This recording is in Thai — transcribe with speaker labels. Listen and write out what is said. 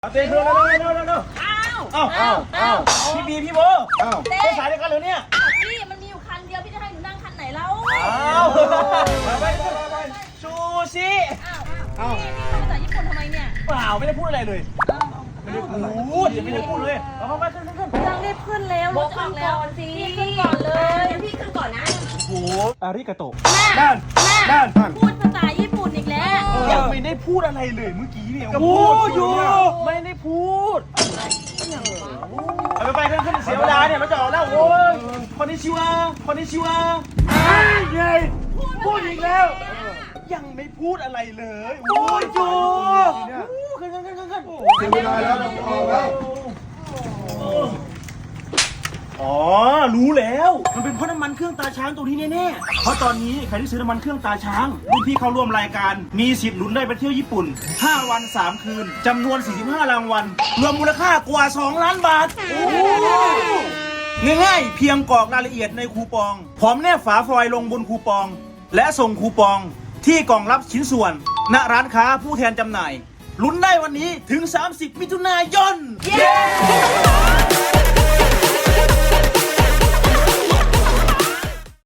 Speaker 1: เต้นเร็วอ้าวพี่บีพี่โบเต้นสายเดียวกันเลยเนี่ย
Speaker 2: พี่มันมีอยู่คันเดียวพี่จะให้หนูนั่งคันไหนแล้ว
Speaker 1: ไปชูชิ
Speaker 2: พี่พูดภาษาญี่ปุ่นทำไมเนี่ย
Speaker 1: เปล่าไม่ได้พูดอะไรเลยไม่ได้พูดเลยเอาไปขึ้น
Speaker 2: ยังรีบขึ้นแล้วรถออกแล้วพี่ขึ้นก่อนเลยพี่ขึ้นก่อนนะ
Speaker 1: โอ้อาริกาโตะ
Speaker 2: ด้านพูดภาษาญี่ปุ่นอีกแล้ว
Speaker 1: ยังไม่ได้พูดอะไรเลยเมื่อกี้เนี่ยพูดอยู่ไม่ได้พูดไปขึ้นเสียเวลาเนี่ยมันจะออกแล้วโอ้ยคนนี้ชิวไงพูดอีกแล้วยังไม่พูดอะไรเลยพูดอยู่ขึ้นเสียเวลาแล้วออกแล้วอ๋อรู้แล้วมันเป็นเพราะน้ำมันเครื่องตาช้างตัวนี้แน่ๆเพราะตอนนี้ใครที่ซื้อน้ำมันเครื่องตาช้างรุ่นพี่เข้าร่วมรายการมีสิทธิ์ลุ้นได้ไปเที่ยวญี่ปุ่น5 วัน 3 คืนจำนวน45รางวัลรวมมูลค่ากว่า2 ล้านบาทง่ายๆเพียงกรอกรายละเอียดในคูปองพร้อมแนบฝาฟอยล์ลงบนคูปองและส่งคูปองที่กล่องรับชิ้นส่วนณร้านค้าผู้แทนจำหน่ายลุ้นได้วันนี้ถึง30 มิถุนายน